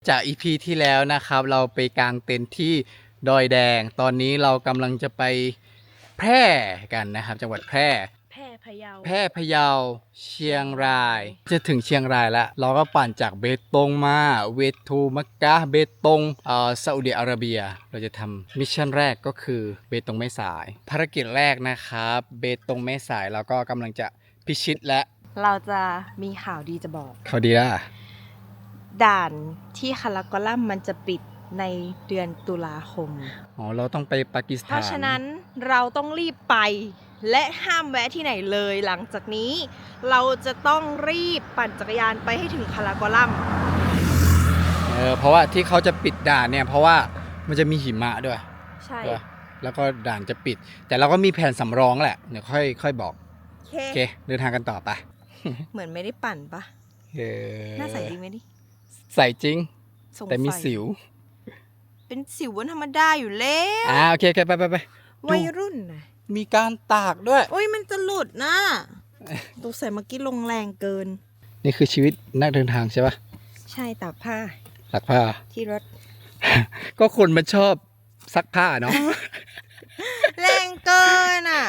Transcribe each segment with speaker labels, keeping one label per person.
Speaker 1: จาก EP ที่แล้วนะครับเราไปกางเต็นท์ที่ดอยแดงตอนนี้เรากำลังจะไปแพร่กันนะครับจังหวัดแพร่
Speaker 2: แพร่พะเยา
Speaker 1: เชียงรายจะถึงเชียงรายแล้วเราก็ปั่นจากเบตงมาเวทูมักกะเบตงซาอุดิอาระเบียเราจะทำมิชชั่นแรกก็คือเบตงแม่สายภารกิจแรกนะครับเบตงแม่สายเราก็กำลังจะพิชิตและ
Speaker 2: เราจะมีข่าวดีจะบอก
Speaker 1: เขาดีล่ะ
Speaker 2: ด่านที่คาราโกลัมมันจะปิดในเดือนตุลาคม
Speaker 1: เราต้องไปปากีสถาน
Speaker 2: เพราะฉะนั้นเราต้องรีบไปและห้ามแวะที่ไหนเลยหลังจากนี้เราจะต้องรีบปั่นจักรยานไปให้ถึงคาราโกลัม
Speaker 1: เพราะว่าที่เขาจะปิดด่านเนี่ยเพราะว่ามันจะมีหิมะด้วย
Speaker 2: ใช่
Speaker 1: แล้วก็ด่านจะปิดแต่เราก็มีแผนสำรองแหละเดี๋ยวค่อยบอกโอเคเดินทางกันต่อไป
Speaker 2: เหมือนไม่ได้ปั่นปะน่าใส่จริงไหมดิ
Speaker 1: ใส่จริงแต่มีสิว
Speaker 2: เป็นสิววันธรรมดาอยู่แล้ว
Speaker 1: โอเคไป
Speaker 2: วัยรุ่นนะ
Speaker 1: มีการตากด้วย
Speaker 2: โอ้ยมันจะหลุดนะตัวใส่เมื่อกี้ลงแรงเกิน
Speaker 1: นี่คือชีวิตนักเดินทางใช่ปะ
Speaker 2: ใช่ตากผ้าที่รถ
Speaker 1: ก็คนมันชอบซักผ้าเนาะ
Speaker 2: แรงเกินอ่ะ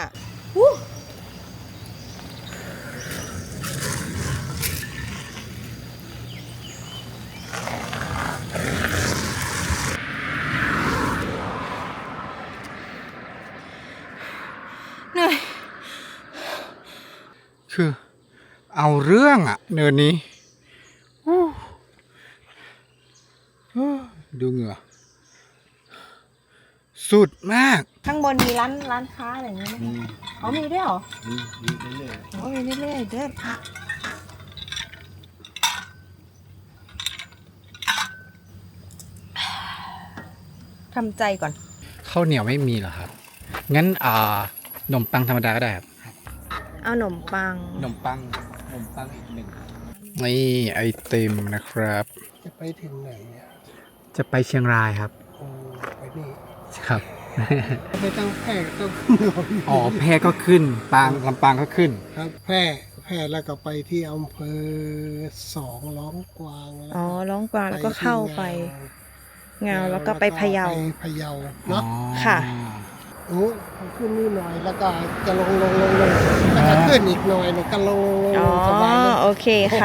Speaker 2: เหนื่อย
Speaker 1: คือเอาเรื่องอ่ะเนินนี้ดูเหงื่อสุดมาก
Speaker 2: ข้างบนมีร้านค้าอะไรอย่างเงี้ยมีด้วยเหรอมีเรื่อยๆมีเรื่อยๆเด้อทำใจก่อน
Speaker 1: ข้าวเหนียวไม่มีเหรอครับงั้นขนมปังธรรมดาก็ได้ครับ
Speaker 2: เอาขนมปัง
Speaker 1: อีกหนึ่งนี่ไอติมนะครับ
Speaker 3: จะไปถึงไหนเนี่ย
Speaker 1: จะไปเชียงรายครับ
Speaker 3: ไปนี่
Speaker 1: ครับ
Speaker 3: ไม่ต้องแพร่ต้อง
Speaker 1: แพร่ก็ขึ้นลำปางก็ขึ้น
Speaker 3: ครับแพร่แล้วก็ไปที่อำเภอ2ร้องกวาง
Speaker 2: ร้องกวางแล้วก็เข้าไปเงาแล้วก็ไปพะเยา
Speaker 3: เนาะ
Speaker 2: ค่ะ
Speaker 3: ขึ้นนี่หน่อยแล้วก็จะลงแล้วก็ขึ้นอีกหน่อยแล้วก็ลงสบาย
Speaker 2: โอเคค่ะ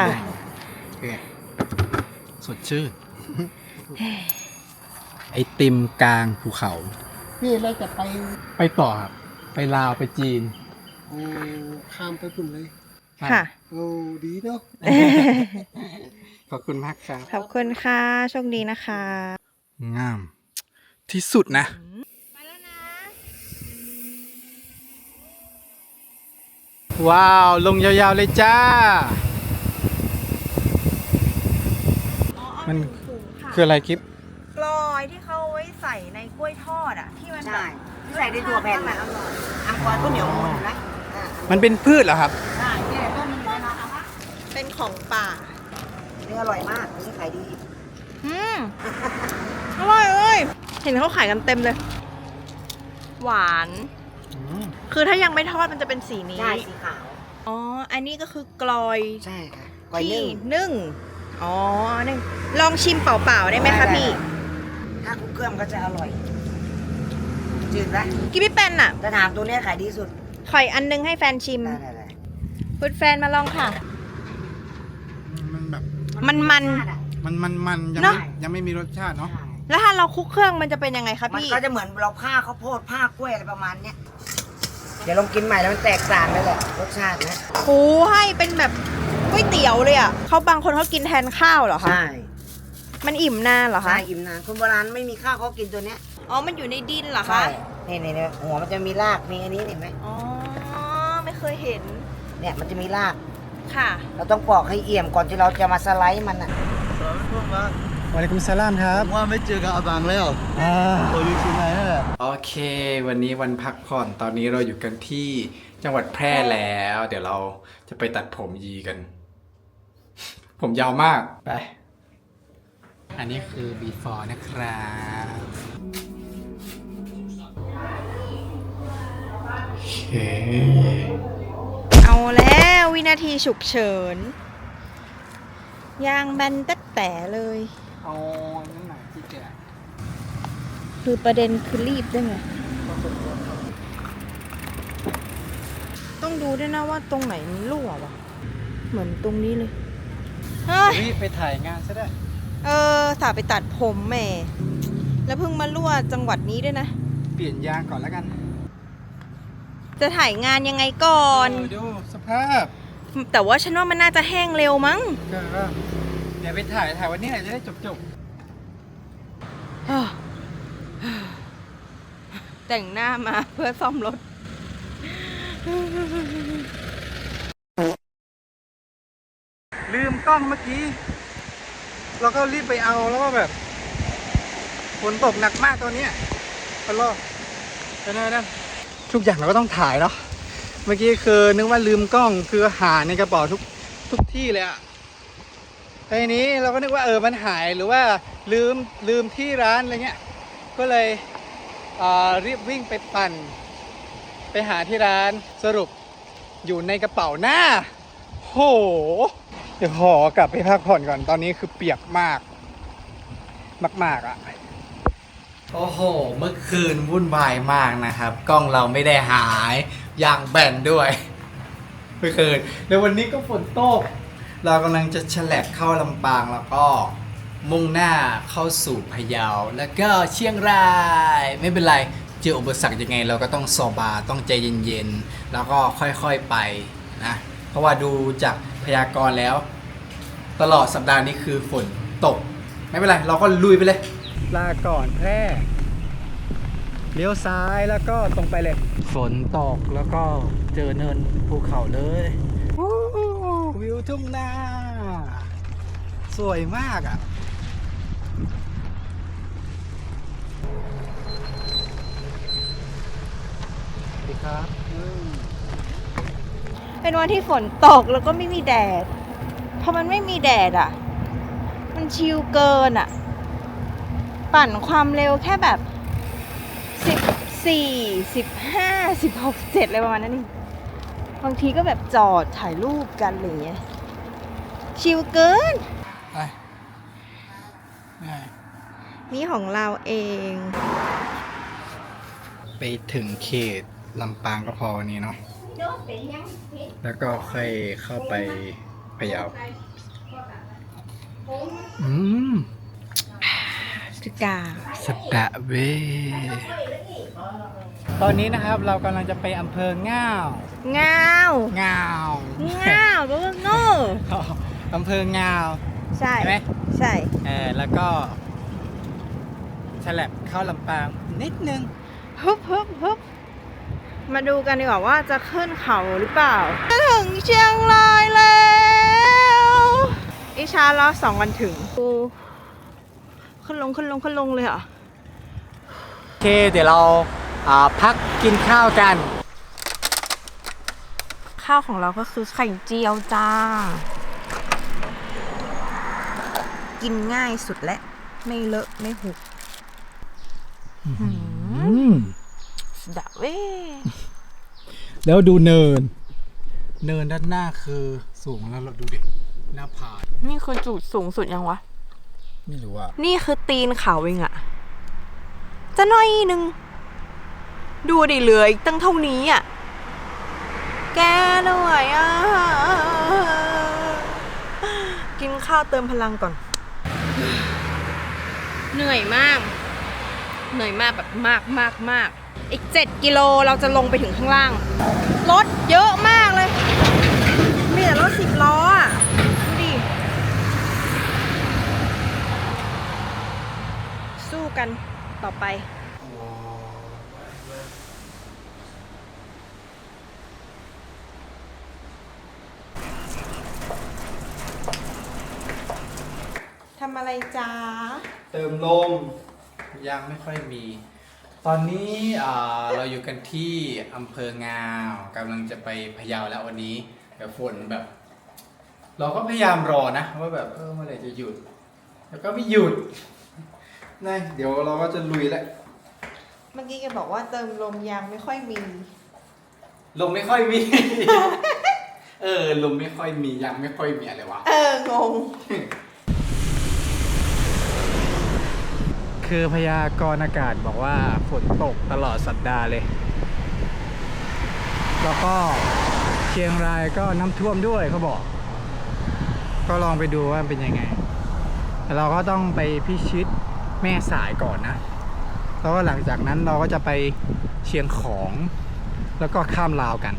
Speaker 1: สดชื่นไอติมกลางภูเขา
Speaker 3: พี่เราจะ
Speaker 1: ไปต่อครับไปลาวไปจีน
Speaker 3: ข้ามไปปุ่นเลย
Speaker 2: ค่ะ
Speaker 3: ดีเนาะ
Speaker 1: ขอบคุณมากครับ
Speaker 2: ขอบคุณค่ะโชคดีนะคะ
Speaker 1: งามที่สุดนะ
Speaker 2: ไปแล้วนะ
Speaker 1: ว้าวลงยาวๆเลยจ้ามันคืออะไรคลิป
Speaker 2: กลอยที่เขาไว้ใส่ในกล้วยทอดอ่ะที่มัน
Speaker 4: ใช่ที่ใส่ในตัวแผ่นมันอร่อยอังกอร์ก็เหนียวหมดนะ
Speaker 1: มันเป็นพืชเหรอครับ
Speaker 4: ใช่เนี่ยต้นมัน
Speaker 2: เป็นของป่า
Speaker 4: เนื้ออร่อยมากนี่ขายดี
Speaker 2: อร่อยเห็นเขาขายกันเต็มเลยหวานคือถ้ายังไม่ทอดมันจะเป็นสีนี้
Speaker 4: ใช่สีขาว
Speaker 2: อันนี้ก็คือกลอย
Speaker 4: ใช่ค่ะ
Speaker 2: ที่นึ่งนึ่งลองชิมเปล่าๆได้ไหมคะพี่
Speaker 4: ถ้าคลุกเครื่องก็จะอร่อยจืดไหม
Speaker 2: กินไม่เป็นอ่ะ
Speaker 4: แต่ถามตัวนี้ขายดีสุด
Speaker 2: ขออันนึงให้แฟนชิมพูดแฟนมาลองค่ะ
Speaker 1: มันแบบ
Speaker 2: มัน
Speaker 1: ยังไม่มีรสชาติเนาะ
Speaker 2: แล้วถ้าเราคลุกเครื่องมันจะเป็นยังไงคะพี่
Speaker 4: มันก็จะเหมือนเราผ้าข้าวโพดผ้ากล้วยอะไรประมาณเนี้ยเดี๋ยวลองกินใหม่แล้วมันแตกต่างเลยแหละรสชาตินะ
Speaker 2: ให้เป็นแบบก๋วยเตี๋ยวเลยอ่ะเขาบางคนเขากินแทนข้าวเหรอคะ
Speaker 4: ใช่
Speaker 2: มันอิ่มนานเหรอคะ
Speaker 4: ใช่อิ่มนานคนโบราณไม่มีข้าวเขากินตัวเนี้ย
Speaker 2: มันอยู่ในดินเหรอคะ
Speaker 4: ใช่นี่หัวมันจะมีรากมีอันนี้เห็นไหม
Speaker 2: ไม่เคยเห็น
Speaker 4: เนี่ยมันจะมีราก
Speaker 2: ค่ะ
Speaker 4: เราต้องปอกให้เอี่ยมก่อนที่เราจะมาสไลด์มันอ่ะ
Speaker 1: วะลัยกุมสลามครับ
Speaker 3: ว่าไม่เจอกับอาบังแล้วตัวอยู่ที่ไหนนั่นแหละ
Speaker 1: โอเควันนี้วันพักผ่อนตอนนี้เราอยู่กันที่จังหวัดแพร่แล้วเดี๋ยวเราจะไปตัดผมยีกัน ผมยาวมากไปอันนี้คือ before นะครับโอเค
Speaker 2: เอาแล้ววินาทีฉุกเฉินยางแบนแต่เลย
Speaker 4: เ
Speaker 1: เอานั่นไหนที่แกะ
Speaker 2: คือประเด็นคือรีบได้ไงต้องดูด้วยนะว่าตรงไหนมันรั่ววะเหมือนตรงนี้เลยเฮ้ย
Speaker 1: รีบไปถ่ายงานซะได้
Speaker 2: สาไปตัดผมแหม่แล้วเพิ่งมารั่วจังหวัดนี้ด้วยนะ
Speaker 1: เปลี่ยนยางก่อนแล้วกัน
Speaker 2: จะถ่ายงานยังไงก่อน
Speaker 1: ดูสภาพ
Speaker 2: แต่ว่าฉันว่ามันน่าจะแห้งเร็วมั้ง
Speaker 1: ก็เดี๋ยวไปถ่ายวันนี้แหละจะได้จบ
Speaker 2: แต่งหน้ามาเพื่อซ่อมรถ
Speaker 1: ลืมกล้องเมื่อกี้ เราก็รีบไปเอาแล้วก็แบบฝนตกหนักมากตอนนี้ฮัลโหลนั่นทุกอย่างเราก็ต้องถ่ายเนาะเมื่อกี้คือนึกว่าลืมกล้องคือหาในกระเป๋าทุกที่เลยอะแต่ทีนี้เราก็นึกว่ามันหายหรือว่าลืมที่ร้านอะไรเงี้ยก็เลยรีบวิ่งไปปั่นไปหาที่ร้านสรุปอยู่ในกระเป๋าหน้าโหเดี๋ยวขอกลับไปพักผ่อนก่อนตอนนี้คือเปียกมากอ่ะโอ้โหเมื่อคืนวุ่นวายมากนะครับกล้องเราไม่ได้หายยางแบนด้วยเมื่อคืนแล้ววันนี้ก็ฝนตกเรากำลังจะฉลับเข้าลำปางแล้วก็มุ่งหน้าเข้าสู่พะเยาแล้วก็เชียงรายไม่เป็นไรเจออุปสรรคยังไงเราก็ต้องซอบาต้องใจเย็นๆแล้วก็ค่อยๆไปนะเพราะว่าดูจากพยากรณ์แล้วตลอดสัปดาห์นี้คือฝนตกไม่เป็นไรเราก็ลุยไปเลยลาก่อนแพร่เลี้ยวซ้ายแล้วก็ตรงไปเลยฝนตกแล้วก็เจอเนินภูเขาเลยวิวทุ่งนาสวยมากอ่ะสวัสดีครับ
Speaker 2: เป็นวันที่ฝนตกแล้วก็ไม่มีแดดพอมันไม่มีแดดอ่ะมันชิลเกินอ่ะปั่นความเร็วแค่แบบ14 15 16 17อะไรประมาณนั้นเองบางทีก็แบบจอดถ่ายรูปกันอะไรอย่างเงี้ยชิลเกิน
Speaker 1: ไป
Speaker 2: นี่ของเราเอง
Speaker 1: ไปถึงเขตลำปางก็พอวันนี้เนาะแล้วก็ค่อยเข้าไปพะเยา
Speaker 2: สกา
Speaker 1: สกะเวตอนนี้นะครับเรากำลังจะไปอำเภอง่าว
Speaker 2: ง่าว
Speaker 1: ง่าว
Speaker 2: ง่าวก็ว่าโง่
Speaker 1: อำเภอง่าว
Speaker 2: ใช่
Speaker 1: ใช่ไหม
Speaker 2: ใช่
Speaker 1: แล้วก็ฉลับเข้าลำปางนิดนึง
Speaker 2: ฮึบมาดูกันดีกว่าว่าจะขึ้นเขาหรือเปล่าจะถึงเชียงรายแล้วอิชารอ2 วันถึงขึ้นลงเลยเหรอ
Speaker 1: โอเคเดี๋ยวเราพักกินข้าวกัน
Speaker 2: ข้าวของเราก็คือไข่เจียวจ้า กินง่ายสุดและไม่เลอะไม่หุบดะเว้
Speaker 1: แล้วดูเนินด้านหน้าคือสูงแล้วเราดูดิหน้าผา
Speaker 2: นี่คือจุดสูงสุดยังวะ
Speaker 1: ไม่รู้อ่ะ
Speaker 2: นี่คือตีนเขาเองอะจะน้อยนึง ดูดิเหลืออีกตั้งเท่านี้อะแกเหนื่อยอะกินข้าวเติมพลังก่อน เหนื่อยมากแบบมากอีก7 กิโลเราจะลงไปถึงข้างล่างรถเยอะมากเลยมีแต่รถ10 ล้ออะดูดิสู้กันต่อไปทำอะไรจ้า
Speaker 1: เติมลมยังไม่ค่อยมี ตอนนี้เราอยู่กันที่อำเภองาวกำลังจะไปพะเยาแล้ววันนี้แต่ฝนแบบ เราก็พยายามรอนะว่าแบบเมื่อไหร่จะหยุดแล้วก็ไม่หยุดนะเดี๋ยวเราก็จะลุยแล้ว
Speaker 2: เมื่อกี้แกบอกว่าเติมลมยางไม่ค่อยมี
Speaker 1: ลมไม่ค่อยมี ลมไม่ค่อยมียังไม่ค่อยมีอะไรวะ
Speaker 2: งง
Speaker 1: คือพยากรณ์อากาศบอกว่าฝนตกตลอดสัปดาห์เลย แล้วก็เชียงรายก็น้ำท่วมด้วยเขาบอก ก็ลองไปดูว่าเป็นยังไงแต่เราก็ต้องไปพิชิตแม่สายก่อนนะ แล้วก็หลังจากนั้นเราก็จะไปเชียงของ แล้วก็ข้ามลาวกัน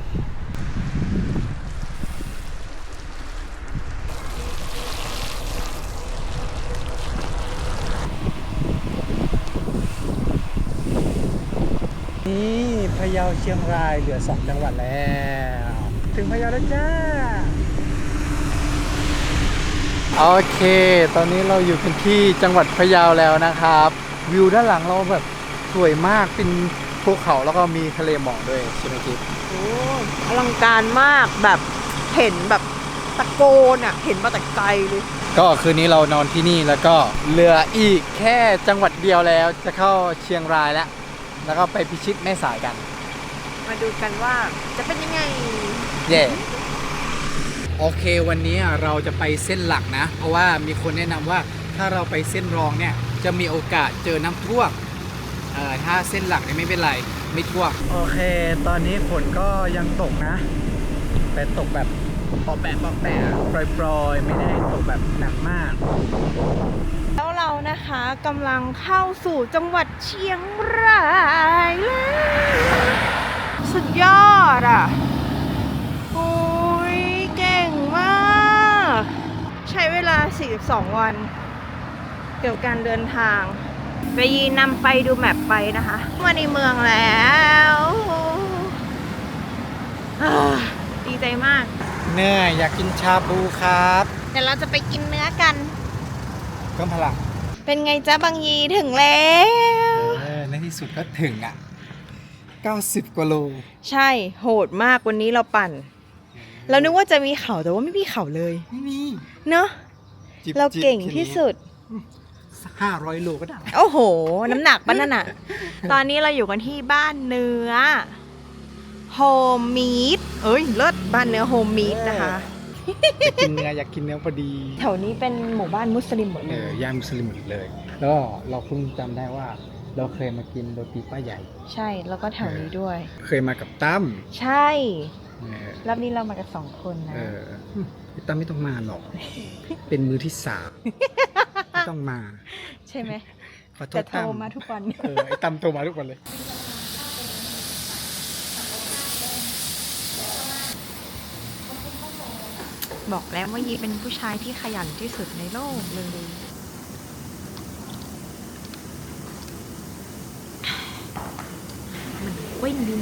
Speaker 1: นี่พะเยาเชียงรายเหลือ2 จังหวัดแล้ว ถึงพะเยาแล้วจ้า โอเค ตอนนี้เราอยู่กันที่จังหวัดพะเยาแล้วนะครับ วิวด้านหลังเราแบบสวยมากเป็นภูเขาแล้วก็มีทะเลหมอกด้วยใช่ไหมกิ๊ฟ
Speaker 2: โอ้อลังการมากแบบเห็นแบบตะโกนอ่ะ เห็นมาแต่ไกลเลย
Speaker 1: ก็คืนนี้เรานอนที่นี่แล้วก็เหลืออีกแค่จังหวัดเดียวแล้วจะเข้าเชียงรายแล้วก็ไปพิชิตแม่สายกัน
Speaker 2: มาดูกันว่าจะเป็นยังไง
Speaker 1: เย่โอเควันนี้เราจะไปเส้นหลักนะ เพราะว่ามีคนแนะนำว่าถ้าเราไปเส้นรองเนี่ยจะมีโอกาสเจอน้ำท่วมถ้าเส้นหลักเนี่ยไม่เป็นไรไม่ท่วมโอเค ตอนนี้ฝนก็ยังตกนะ แต่ตกแบบปอแปะปล่อยๆไม่ได้ตกแบบหนักมาก
Speaker 2: แล้วเรานะคะกำลังเข้าสู่จังหวัดเชียงรายแล้วสุดยอดอ่ะโอ้ยเก่งมากใช้เวลา42 วันเกี่ยวกับการเดินทางไปยีนำไปดูแมปไปนะคะมาในเมืองแล้วดีใจมาก
Speaker 1: เนื่อยอยากกินชาบูครับ
Speaker 2: เดี๋ยวเราจะไปกินเนื้อกัน
Speaker 1: เพิ่มพลัง
Speaker 2: เป็นไงจ๊ะบางยีถึงแล้ว
Speaker 1: ในที่สุดก็ถึงอ่ะ90 กว่าโล
Speaker 2: ใช่โหดมากวันนี้เราปั่น เรานึกว่าจะมีเขาแต่ว่าไม่มีเขาเลย
Speaker 1: ไม่มี
Speaker 2: เนอะ
Speaker 1: จิบ
Speaker 2: เราเก่งที่สุด
Speaker 1: สัก500 โลก็ได้
Speaker 2: โอ้โห น้ำหนักปะนั่นน่ะ ตอนนี้เราอยู่กันที่บ้านเนื้อโฮมมีดเอ้ยเลิศบ้านเนื้อโฮมมีดนะคะ
Speaker 1: อยากกินเนื้ออยากกินเนื้อพอดี
Speaker 2: แถวนี้เป็นหมู่บ้านมุสลิมหมดเลย
Speaker 1: ย่านมุสลิมหมดเลย แล้วก็เราเพิ่งจำได้ว่าเราเคยมากินโรตีป้าใหญ่
Speaker 2: ใช่แล้วก็แถวนี้ด้วย
Speaker 1: เคยมากับตั้ม
Speaker 2: ใช่
Speaker 1: เออ
Speaker 2: รอบนี้เรามากัน2 คนนะ
Speaker 1: พี่ตั้มไม่ต้องมาหรอก เป็นมือที่3ไม่ต้องมา
Speaker 2: ใช่ไหม
Speaker 1: ขอโท
Speaker 2: แต่
Speaker 1: ษ
Speaker 2: โทร
Speaker 1: ตั้ม
Speaker 2: มาทุกวัน
Speaker 1: ไอ้ตั้มโทรมาทุกวันเลย
Speaker 2: บอกแล้วว่ายีเป็นผู้ชายที่ขยันที่สุดในโลกเลย มันเว้นดีโน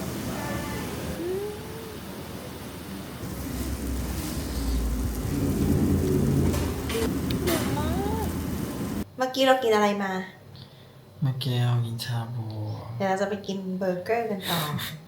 Speaker 2: เมื่อกี้เรากินอะไรมา
Speaker 1: เมื่อกี้เรากินชาบู
Speaker 2: เดี๋ยวเราจะไปกินเบอร์เกอร์กันต่อ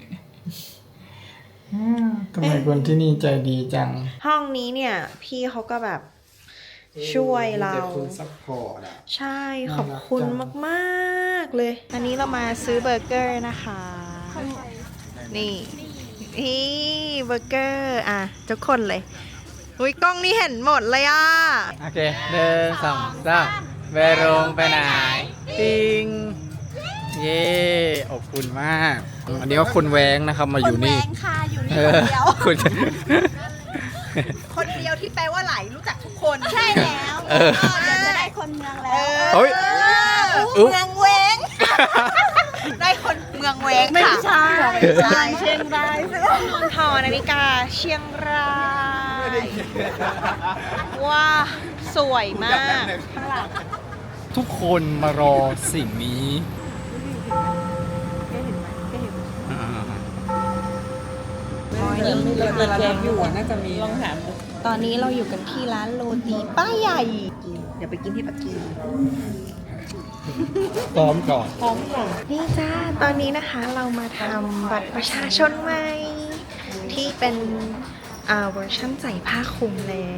Speaker 1: ทำไมคนที่นี่ใจดีจัง
Speaker 2: ห้องนี้เนี่ย พี่เขาก็แบบช่วยเรา
Speaker 1: คุณซัพพอร์ตอ่ะ
Speaker 2: ใช่ขอบคุณมากๆเลย อันนี้เรามาซื้อเบอร์เกอร์นะคะ นี่เบอร์เกอร์อ่ะทุกคนเลยอุ้ยกล้องนี่เห็นหมดเลยอ่ะ
Speaker 1: โอเค1 2 3ไปโรงไปไหนติงเย่อบอุ่นมาก อันนี้ก็คนแว้งนะครับมาอยู่นี่
Speaker 2: คนแว้งค่ะอยู่นี่
Speaker 1: คนเดียว
Speaker 2: คนเดียวที่แปลว่าไหลรู้จักทุกคน
Speaker 5: ใช่แล้วเดี๋ยวจะได้คนเมืองแล้ว
Speaker 1: เฮ้ย
Speaker 2: เมืองแว้ง ได้คนเมืองแว้งค่ะ
Speaker 5: ไม่ใช่เชียงราย
Speaker 2: หอนาฬิกาเชียงราย ว้าสวยมากข้างหลัง
Speaker 1: ทุกคนมารอสิ่งนี้
Speaker 2: ตอนนี้เราอยู่กันที่ร้านโรตีป้าใหญ่ เดี๋ยวไปกินที่ปักกิ่ง
Speaker 1: พร้อมก่อน
Speaker 2: พร้อมค่ะนี่จ้า ตอนนี้นะคะเรามาทำบัตรประชาชนใหม่ ที่เป็นเวอร์ชั่นใส่ผ้าคลุมแล้ว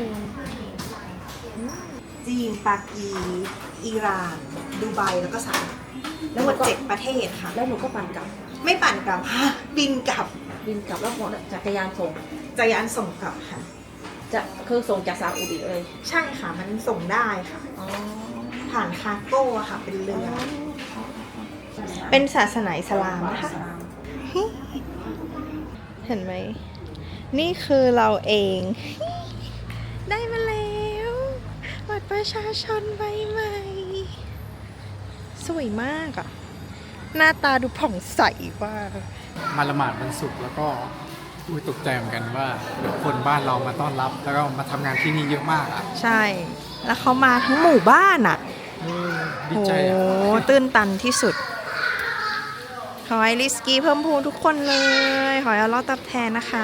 Speaker 2: จีน ปากีอิหร่าน ดูไบ แล้วก็สหรัฐแล้วหมด7 ประเทศค่ะ
Speaker 5: แล้วหนูก็ปั่นกลับ
Speaker 2: ไม่ปั่นกลับค่ะบินกลับ
Speaker 5: บินกลับแล้วจักรยานส่ง
Speaker 2: จักรยานส่งกลับค่ะ
Speaker 5: จะคือส่งจากซาอุดิเลย
Speaker 2: ใช่ค่ะ มันส่งได้ค่ะ
Speaker 5: อ๋อผ่านคาโก้อะค่ะ เป็นเรือ
Speaker 2: เป็นศาสนาอิสลามนะคะเห็นไหม นี่คือเราเอง ได้มาแล้วบัตรประชาชนใบใหม่ สวยมากอะหน้าตาดูผ่องใสมาก
Speaker 1: มาละหมาดวันศุกร์แล้วก็ตกใจเหมือนกันว่าคนบ้านเรามาต้อนรับ แล้วก็มาทำงานที่นี่เยอะมากอ่ะ
Speaker 2: ใช่ แล้วเขามาทั้งหมู่บ้านอะ
Speaker 1: ดีใจอ่ะ
Speaker 2: โอ้ตื้นตันที่สุด ขอให้ริสกี้เพิ่มพูนทุกคนเลย ขอให้อัลเลอฮ์ตอบแทนนะคะ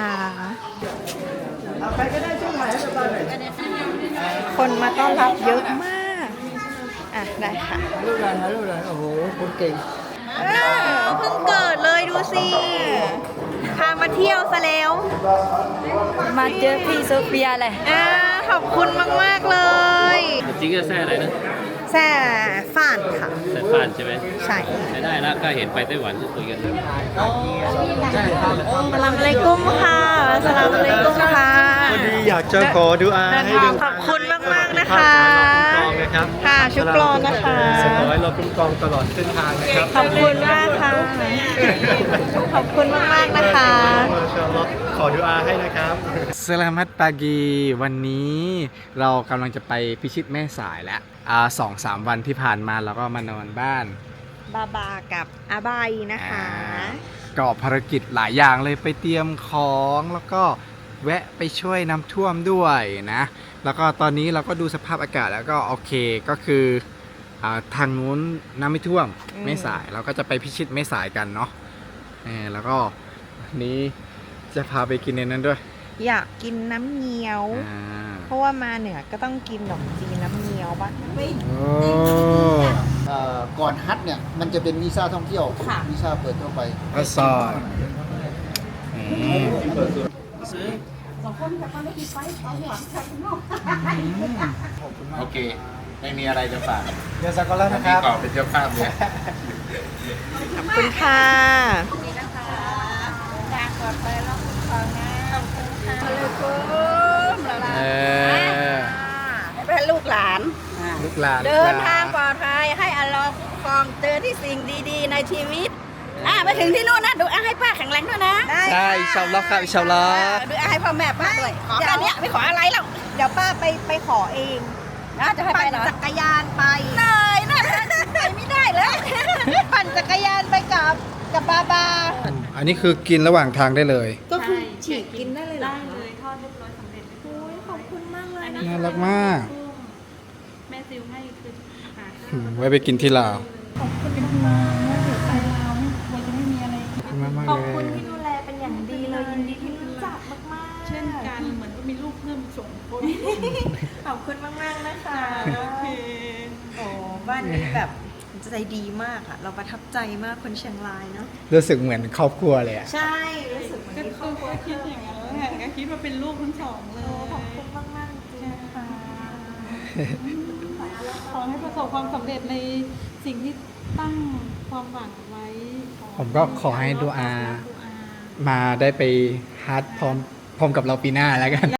Speaker 2: คนมาต้อนรับเยอะมาก อ่ะ ได้ค่ะ
Speaker 3: ลูกหลานโอ้โหคนเก่ง
Speaker 2: เพิ่งเกิดเลยดูสิ พามาเที่ยวซะแล้ว
Speaker 5: มาเจอพี่โซเฟียเลย
Speaker 2: ขอบคุณมาก ๆ เลย
Speaker 6: จริงก็แซ่อะไรนะ
Speaker 2: แซ่ฟ่านค่ะ
Speaker 6: แซ่ฟานใช่ไหม
Speaker 2: ใช่
Speaker 6: ใช้ได้นะก็เห็นไปไต้หวันก็คุยกัน
Speaker 2: สลามอะลัยกุมค่ะสลามอะลัยกุมค่ะ
Speaker 7: วันนี้อยากจะขอดูอาให้ดึง
Speaker 2: ขอบคุณมาก ๆ นะคะ
Speaker 7: ขอให้เราคุ้มครองนะครับ
Speaker 2: ค่ะ ชุกรอนนะคะ
Speaker 7: ขอให้เราคุ้มครองตลอดเส้นทางนะครับ
Speaker 2: ขอบคุณมากค่ะ ขอบคุณมาก ๆ นะคะ
Speaker 7: มาชาอัลลอฮ์ขอดูอาให้นะครับ
Speaker 1: สลามัตปากีวันนี้เรากำลังจะไปพิชิตแม่สายแล้ว2-3 วันที่ผ่านมาเราก็มานอนบ้าน
Speaker 2: บาบากับอาบายนะคะ
Speaker 1: ก็ภารกิจหลายอย่างเลยไปเตรียมของแล้วก็แวะไปช่วยน้ำท่วมด้วยนะ แล้วก็ตอนนี้เราก็ดูสภาพอากาศแล้วก็โอเคก็คือทางนู้นน้ำไม่ท่วมแม่สายเราก็จะไปพิชิตแม่สายกันเนาะแล้วก็วันนี้จะพาไปกินในนั้นด้วย
Speaker 2: อยากกินน้ำเงี้ยว เพราะว่ามาเหนือก็ต้องกินขนมจีนน้ำเงี้ยวบ้าง
Speaker 3: ก่อนฮัทเนี่ยมันจะเป็นวีซ่าท่องเที่ยววีซ่าเปิดทั่วไป
Speaker 1: ก็ซอยโอเค ไม่มีอะไรจะฝาก
Speaker 3: เดี๋ยวสักก่อนแล้วนะครับ
Speaker 1: ต่อเป็นเจ้าภาพเลย
Speaker 2: ขอบคุณค่ะ
Speaker 5: เป็นลูกหลาน
Speaker 1: ลูกหลาน
Speaker 5: เดินทางปลอดภัยให้อัลลอฮ์คุ้มครองเจอที่สิ่งดีๆในชีวิตไปถึงที่นู่นนะดูอาให้ป้าแข็งแรงด้วยนะ
Speaker 1: ใช่อินชาอัลลอฮ์ครับอินชาอัลลอฮ์
Speaker 5: ดูอาให้พ่อแม่ป้าด้วยขอแค่เนี้ยไม่ขออะไรแล้ว
Speaker 2: เดี๋ยวป้าไปขอเอง
Speaker 5: นะจะให้ไป
Speaker 2: ปั่น
Speaker 5: เหรอ
Speaker 2: จักรยานไป
Speaker 5: เลยนะไปไม่ได้เลย
Speaker 2: ปั่นจักรยานไปกับบาบา
Speaker 1: อันนี้คือกินระหว่างทางได้เลย
Speaker 2: ก็คือฉีกกินได้เลยเหรอ
Speaker 8: ได้เลยทอดเรียบร้อยสำเร็จ
Speaker 2: โอ้ยขอบคุณมากเลยนะ
Speaker 1: น่ารักมาก
Speaker 8: แม่ซิลให้คืออาหาร
Speaker 1: ไว้ไปกินที่ลาว
Speaker 8: เป็นห่วงว่าเดี๋ยวไปลาวเราจะไม่มีอะไร
Speaker 2: ขอบคุณที่ดูแลเป็นอย่างดีเลยยินดีที่รู้จักมากๆ
Speaker 8: เช่นกันเหมือนก็มีลูกเพิ่มสองคน
Speaker 2: ขอบคุณมากๆนะคะ
Speaker 8: โอเค
Speaker 2: โอ้บ้านนี้แบบใจดีมากอะเราประทับใจมากคนเชียงรายเนาะ
Speaker 1: รู้สึกเหมือนครอบครัวเลยอ่ะ
Speaker 2: ใช่รู้สึกเหมือน
Speaker 8: ก็
Speaker 2: มีครอบครัว
Speaker 8: คิดอย่างนั้นแหละก็คิดว่าเป็นลูกทั้งสองเลย
Speaker 2: ขอบคุณมากๆจริงๆค่ะ
Speaker 8: ขอให้ประสบความสำเร็จในสิ่งที่ตั้งความหวังไว้
Speaker 1: ผมก็ขอให้ดูอา มาได้ไปฮัทพร้อมกับเราปีหน้าแล้วกัน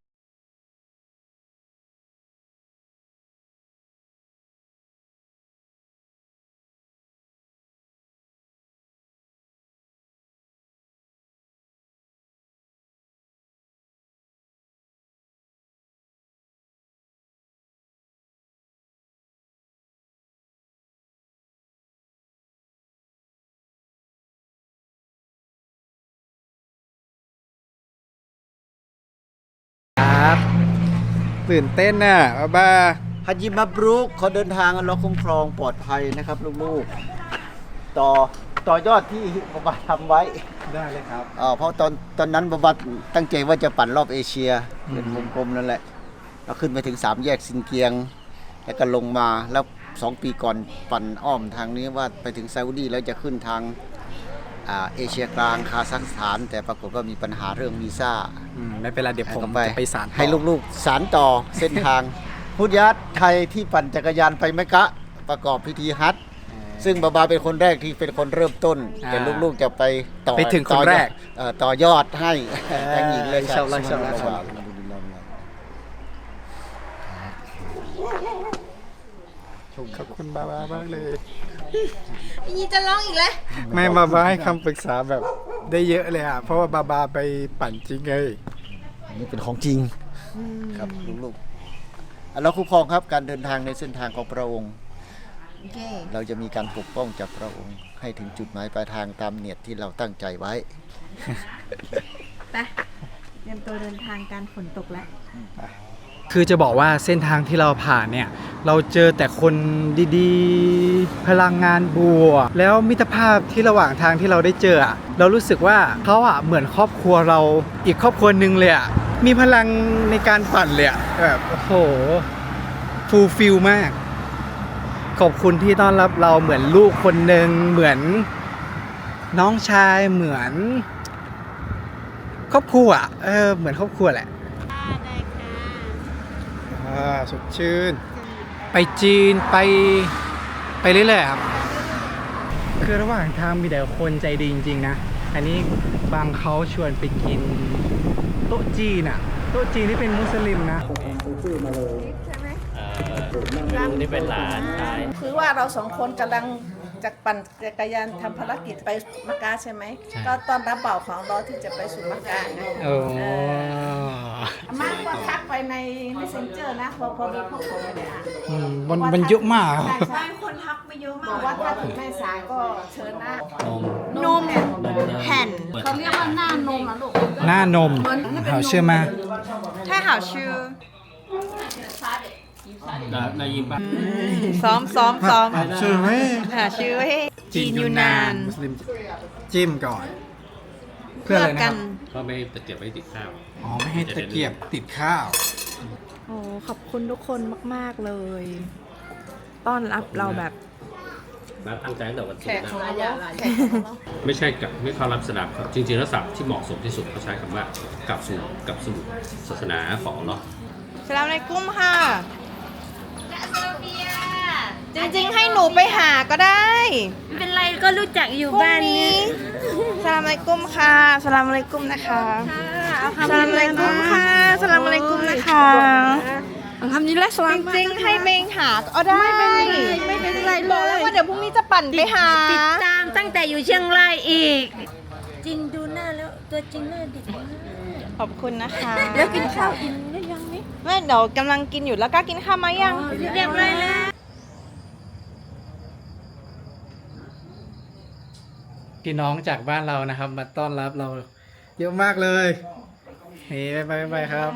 Speaker 1: ครับตื่นเต้นน่ะบ้า
Speaker 3: ฮัจญิมับรุกขอเดินทางอัลเลาะห์คุ้มครองปลอดภัยนะครับลูกๆต่อยอดที่บาบาทำไว้
Speaker 1: ได้เลยครับ
Speaker 3: เพราะตอนนั้นบาบาตั้งใจว่าจะปั่นรอบเอเชียเป็นวงกลมนั่นแหละเราขึ้นไปถึง3แยกซินเกียง แล้วก็ลงมาแล้ว2 ปีก่อนปั่นอ้อมทางนี้ว่าไปถึงซาอุดีแล้วจะขึ้นทางเอเชียกลางคาซัคสถาน แต่ปรากฏว่ามีปัญหาเรื่องวีซ่า
Speaker 1: ไม่เป็นไรเดี๋ยวผม
Speaker 3: ไป
Speaker 1: จะไปสารต่อ
Speaker 3: ให้ลูกๆสารต่อเส้นทาง พุทธยัตไทยที่ปั่นจักรยานไปเมกะประกอบพิธีฮัจญ์ซึ่งบาบาเป็นคนแรกที่เป็นคนเริ่มต้น แต่ลูกๆจะไปต่อ
Speaker 1: ไปถึงคนแรก
Speaker 3: ต่อยอดให้ทั้งหญิงและชาย
Speaker 1: อินชาอัลลอฮ์อินชาอัลลอฮ์
Speaker 3: โช
Speaker 1: ขอบคุณบาบามากเลย
Speaker 2: ยีจะร้องอีกแล้ว
Speaker 1: ไม่บาบาให้คำปรึกษาแบบได้เยอะเลยอ่ะ เพราะว่าบาบาไปปั่นจริงไง
Speaker 3: นี่เป็นของจริงครับลูกๆเราคุ้มครองครับการเดินทางในเส้นทางของพระองค์
Speaker 2: โอเค
Speaker 3: เราจะมีการปกป้องจากพระองค์ ให้ถึงจุดหมายปลายทางตามเนียดที่เราตั้งใจไว้
Speaker 2: ไปเตรียมตัวเดินทางการฝนตกแล้ว
Speaker 1: คือจะบอกว่าเส้นทางที่เราผ่านเนี่ย เราเจอแต่คนดีๆ พลังงานบวกแล้วมิตรภาพที่ระหว่างทางที่เราได้เจออะเรารู้สึกว่าเขาอะเหมือนครอบครัวเราอีกครอบครัวหนึ่งเลยอะมีพลังในการปั่นเลยอะแบบโอ้โหฟูลฟิลมาก ขอบคุณที่ต้อนรับเราเหมือนลูกคนหนึ่งเหมือนน้องชายเหมือนครอบครัวอะเหมือนครอบครัวแหละสดชื่น ไปจีนไปเรื่อยๆครับ คือระหว่างทางมีแต่คนใจดีจริงๆนะ อันนี้บางเขาชวนไปกินโต๊ะจีนอะโต๊ะจีนที่เป็นมุสลิมนะ
Speaker 6: นี่เป็นหลานชาย
Speaker 5: คือว่าเราสองคนกำลังจากปั่นจักรยานทำภารกิจไปมักกะใช่ไหม
Speaker 1: ใช่
Speaker 5: ก็ตอนรับเป่าของเราที่จะไปสู่มักกะนะ
Speaker 1: โอ้
Speaker 5: อาม่าก็ทักไปใน Messenger นะพอดีพวกผมไม่ได้อ่าน
Speaker 1: มันเยอะมาก
Speaker 5: ใช่ใช่คนทักไปเยอะมากว่าถ้าถึงแม่สายก็เชิญนะ
Speaker 2: นมแผ่น
Speaker 5: เขาเรียกว่าหน้านมนะลูก
Speaker 1: หน้านมเขาเชื่อมา
Speaker 2: ใช่หาชื่อ
Speaker 6: นายยิมปะ
Speaker 2: ซ้อม
Speaker 1: ชื่อไหม
Speaker 2: หาชื่อให้จีนยูนาน
Speaker 1: มุสลิมจิ้มก่อน
Speaker 2: เพื่อ
Speaker 1: อะไระ
Speaker 2: กั
Speaker 1: ครับ
Speaker 2: น
Speaker 6: ก็ไม่ตะเกียบไว้ติดข้าว
Speaker 1: อ๋อ ไม่ให้ตะเกียบติดข้าว
Speaker 2: โอ้ขอบคุณทุกคนมากๆเลย ต้อนรับเราแบบ
Speaker 6: มาตั้งใจตั้งแต่วันศุก
Speaker 5: แขก
Speaker 6: ร์
Speaker 5: ของ
Speaker 6: นะ
Speaker 5: เราแขกของเรา
Speaker 6: ไม่ใช่กับไม่เข้ารับสลับครับจริงๆแล้วศัพท์ที่เหมาะสมที่สุดเขาใช้คำว่ากลับสู่ศาสนาของเนาะ
Speaker 2: สลามในกุ้มค่ะ จริงๆให้หนูไปหาก็ได้
Speaker 5: ไม่เป็นไรก็รู้จักอยู่
Speaker 2: พรุ่ง
Speaker 5: บ้านนี้
Speaker 2: สลามในกุ้มค่ะสลามในกุ้มนะคะสลามในกุ้มค่ะสลามในกุ้มนะคะ
Speaker 5: ทำนี้แหละส
Speaker 2: จ
Speaker 5: ลาม
Speaker 2: ริงๆให้เบงหาก็ได้
Speaker 5: ไม่เป็นไร
Speaker 2: บอกแล้วว่าเดี๋ยวพรุ่งนี้จะปั่นไปหา
Speaker 5: ติดตามตั้งแต่อยู่เชียงรายอีก จริงดูหน้าแล้วตัวจริงหน้าเด็กมาก
Speaker 2: ขอบคุณนะคะ
Speaker 5: แล้วกินข้าวอิ่มหรือยังนี่
Speaker 2: ไม่เดี๋ยวกำลังกินอยู่แล้วก็กินข้าวมายัง
Speaker 5: เรียบร้อยแล้ว
Speaker 1: พี่น้องจากบ้านเรานะครับ มาต้อนรับเราเยอะมากเลยนี่ไปครับ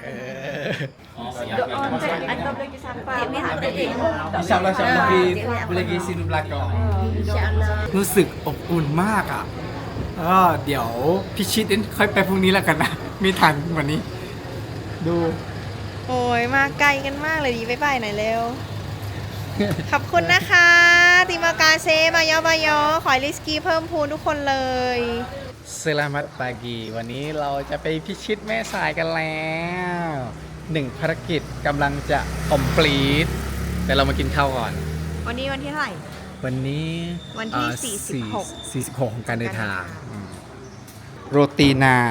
Speaker 1: รู้สึกอบอุ่นมากอ่ะก็เดี๋ยวพิชิตค่อยไปพรุ่งนี้แล้วกันนะ มีทันกว่านี้ ดู
Speaker 2: โอ้ยมาไกลกันมากเลยดีบ๊ายบายหน่อยเร็ว ขอบคุณนะคะ ติมากาเซบายอบายอขอให้ลิสกี้เพิ่มพูนทุกคนเลย
Speaker 1: สลามัตปากีวันนี้เราจะไปพิชิตแม่สายกันแล้ว1ภารกิจกำลังจะ complete แต่เรามากินข้าวก่อน
Speaker 2: วันนี้วันที่เท่าไหร่
Speaker 1: วันนี้
Speaker 2: วันที่
Speaker 1: 46ของการเดินทางโรตีนาน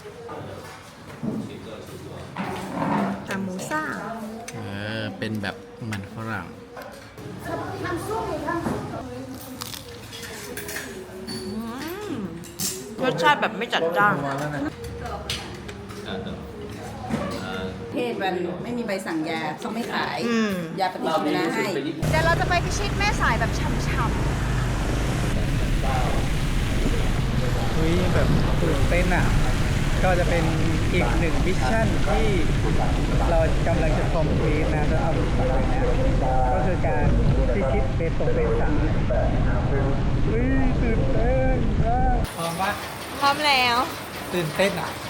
Speaker 2: จามูซ่า
Speaker 1: เป็นแบบมันฝรั่ง
Speaker 2: รสชาติแบบไม่จัดจ้าน
Speaker 5: เพศมันไม่มีใบสั่งยาเขาไม่ขาย ยาปฏิชีวนะให้
Speaker 2: เดี๋ยวเราจะไปพิชิตแม่สายแบบช่ำ
Speaker 1: เฮ้ยแบบตื่นเต้นอ่ะ ก็จะเป็นอีกหนึ่งมิชชั่นที่เรากำลังจะคอมพลีทนะจะเอาไปเนี่ยก็คือการพิชิตเบตงเบสามเฮ้ยตื่นเต้นมากพร้อมปะ
Speaker 2: ๆพร้อมแล้ว
Speaker 1: ตื่นเต้นอ่ะ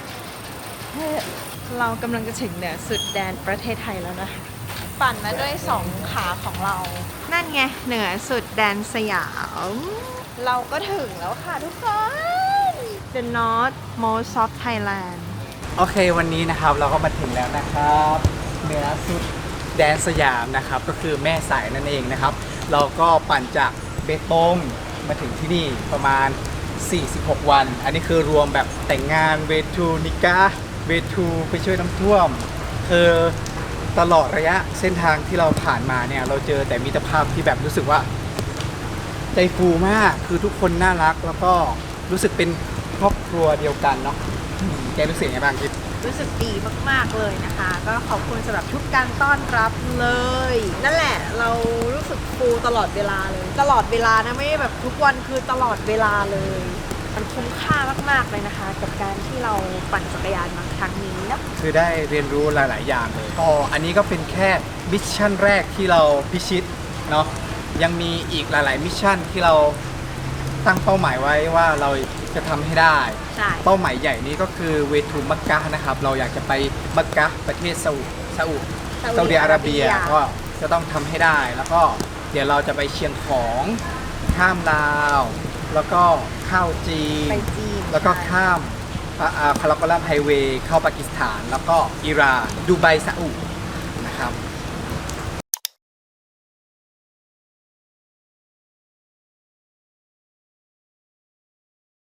Speaker 2: เรากำลังจะถึงเหนือสุดแดนประเทศไทยแล้วนะคะปั่นมาด้วย2ขาของเรา นั่นไงเหนือสุดแดนสยาม เราก็ถึงแล้วค่ะทุกคน The North Most of Thailand
Speaker 1: โอเควันนี้นะครับเราก็มาถึงแล้วนะครับเหนือสุดแดนสยามนะครับก็คือแม่สายนั่นเองนะครับ เราก็ปั่นจากเบตงมาถึงที่นี่ประมาณ 46 วัน อันนี้คือรวมแบบแต่งงานเวทูนิกาเวทูไปช่วยน้ำท่วมคือตลอดระยะเส้นทางที่เราผ่านมาเนี่ยเราเจอแต่มิตรภาพที่แบบรู้สึกว่าใจฟูมากคือทุกคนน่ารักแล้วก็รู้สึกเป็นครอบครัวเดียวกันเนาะแกรู้สึกยังไงบ้างคิด
Speaker 2: รู้สึกดีมากๆเลยนะคะ ก็ขอบคุณสำหรับทุกการต้อนรับเลย นั่นแหละเรารู้สึกฟูตลอดเวลาเลย ตลอดเวลานะไม่ได้แบบทุกวันคือตลอดเวลาเลย มันคุ้มค่ามากๆเลยนะคะ กับการที่เราปั่นจักรยานมาครั้งนี้นะ
Speaker 1: คือได้เรียนรู้หลาย ๆ อย่างเลยก็อันนี้ก็เป็นแค่มิชชั่นแรกที่เราพิชิตเนาะยังมีอีกหลาย ๆ มิชชั่นที่เราตั้งเป้าหมายไว้ว่าเราจะทำให้ได้
Speaker 2: ใช่
Speaker 1: เป้าหมายใหญ่นี้ก็คือเวทูมักกะห์นะครับเราอยากจะไปมักกะห์ประเทศซาอุดิอาระเบียก็จะต้องทำให้ได้ แล้วก็เดี๋ยวเราจะไปเชียงของข้ามลาวแล้วก็เข้าจีน
Speaker 2: ไปจีน
Speaker 1: แล้วก็ข้ามคาราโกลัมไฮเวย์เข้าปากีสถาน แล้วก็อิหร่านดูไบซาอุ